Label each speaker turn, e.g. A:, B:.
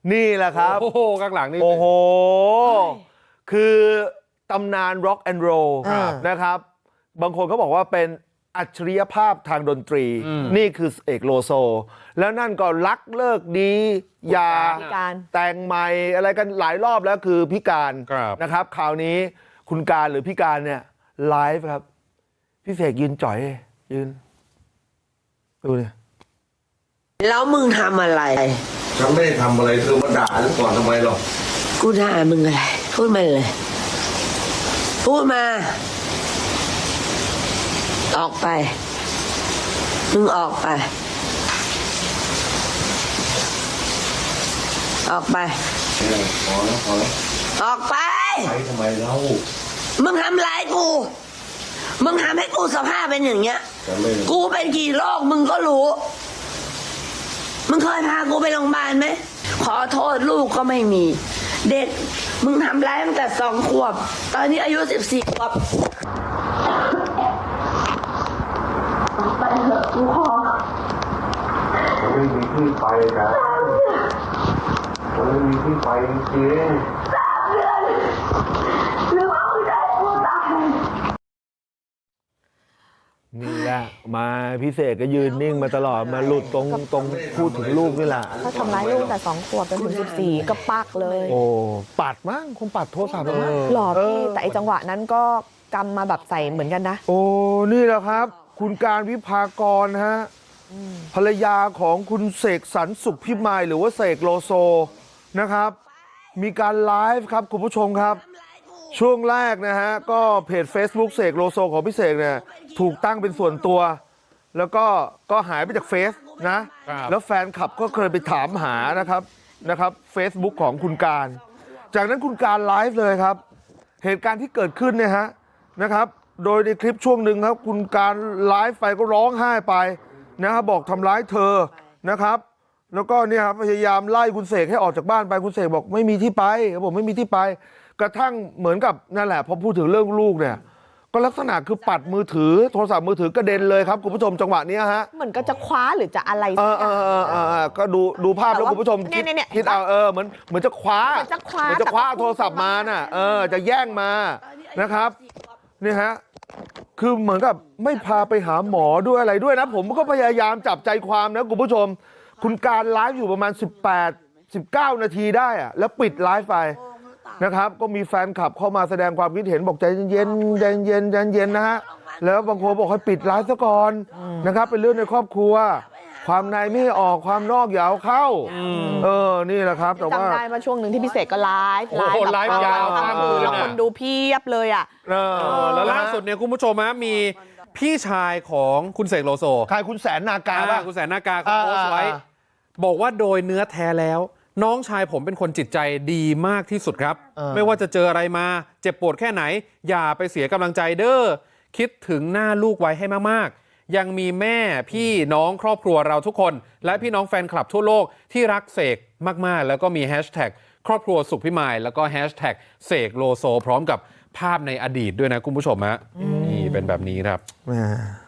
A: นี่แหละครับ
B: โอ้โหข้างหลังนี่
A: โอ้โหคือตำนานร็อกแอนด์โรลนะครับบางคนเขาบอกว่าเป็นอัจฉริยภาพทางดนตรีนี่คือเอกโลโซแล้วนั่นก็รักเลิกดียาแต่งใหม่อะไรกันหลายรอบแล้วคือพิการนะครับคราวนี้คุณการหรือพิการเนี่ยไลฟ์ครับพี่เสกยืนจ่อยยืนดูเนี่ย
C: แล้วมึงทำอะไร
D: ฉันไม่ได้ทำอะไรเธอมาด่าฉันก่อนทำไมหรอก
C: กูด่ามึงอะไรพูดมาเลยพูดมาออกไปมึงออกไปออกไป
D: พอแล้ว
C: ออกไป
D: ไปทำไมเล่า
C: มึงทำร้ายกูมึงทำให้กูสภาพเป็นอย่างเงี้ยกูเป็นกี่โรคมึงก็รู้มึงเคยพากูไปโรงพยาบาลไหมขอโทษลูกก็ไม่มีเด็กมึงทำร้ายตั้งแต่2 ขวบตอนนี้อายุ14 ขวบไปเถอะกูขอ
D: ผมไม่มีที่ไปนะผมไม่มีที่ไปจริง
C: 3 เดือนหรือว่ามึงจะให้กูตาย
A: นี่แหละมาพิเศษก็ยืนนิ่งมาตลอดมาหลุดตรงพูดถึงลูกนี่แหละ
E: เขาทำร้ายลูกแต่2 ขวบเป็นถึง14ก็ปักเลย
A: โอ้ปัดมั้งคงปัดโทรศัพท์มั้ง
E: หล่อพี่แต่ไอจังหวะนั้นก็กำมาแบบใส่เหมือนกันนะ
A: โอ้นี่แหละครับคุณการวิภากรฮะภรรยาของคุณเสกสรรสุขพิมายหรือว่าเสกโลโซนะครับมีการไลฟ์ครับคุณผู้ชมครับช่วงแรกนะฮะก็เพจ Facebook เสกโลโซของพี่เสกเนี่ยถูกตั้งเป็นส่วนตัวแล้วก็หายไปจากเฟซนะแล้วแฟนคลับก็เคยไปถามหานะครับ Facebook ของคุณการจากนั้นคุณการไลฟ์เลยครับเหตุการณ์ที่เกิดขึ้นเนี่ยฮะนะครับโดยในคลิปช่วงหนึ่งครับคุณการไลฟ์ไปก็ร้องไห้ไปนะครับบอกทำร้ายเธอนะครับแล้วก็เนี่ยครับพยายามไล่คุณเสกให้ออกจากบ้านไปคุณเสกบอกไม่มีที่ไปเขาบอกไม่มีที่ไปกระทั่งเหมือนกับนั่นแหละพอพูดถึงเรื่องลูกเนี่ยก็ลักษณะคือปัดมือถือโทรศัพท์มือถือกระเด็นเลยครับคุณผู้ชมจังหวะนี้ฮะ
E: เหมือนก็จะคว้าหรือจะอะไร
A: ก็ดูภาพแล้วคุณผู้ชมคิดเอาเหมือนจะคว้าโทรศัพท์มาน่ะจะแย่งมานะครับนี่ฮะคือเหมือนกับไม่พาไปหาหมอด้วยอะไรด้วยนะผมก็พยายามจับใจความนะคุณผู้ชมคุณการไลฟ์อยู่ประมาณ18-19 นาทีได้อะแล้วปิดไลฟ์ไปนะครับก็มีแฟนคลับเข้ามาแสดงความคิดเห็นบอกใจเย็นนะฮะแล้วบางคนบอกให้ปิดไลฟ์ซะก่อนนะครับเป็นเรื่องในครอบครัวความในไม่ให้ออกความนอกอย่าเอาเข้านี่แหละครับแต่ว่า
E: จำได้มาช่วงหนึ่งที่พิเศษก็ไลฟ์
B: ยาวข้ามคืน
E: แล้วคนดูเพียบเลยอ่ะ
B: แล้วล่าสุดเนี่ยคุณผู้ชมมีพี่ชายของคุณเสกโลโซ
A: ใครคุณแสนนากา
B: คุณแสนนากาเขาโพสต์ไว้บอกว่าโดยเนื้อแท้แล้วน้องชายผมเป็นคนจิตใจดีมากที่สุดครับไม่ว่าจะเจออะไรมาเจ็บปวดแค่ไหนอย่าไปเสียกำลังใจเด้อคิดถึงหน้าลูกไว้ให้มากๆยังมีแม่พี่น้องครอบครัวเราทุกคนและพี่น้องแฟนคลับทั่วโลกที่รักเสกมากๆแล้วก็มีแฮชแท็กครอบครัวสุขพิมายแล้วก็แฮชแท็กเสกโลโซพร้อมกับภาพในอดีตด้วยนะคุณผู้ชมฮะนี่เป็นแบบนี้ครับ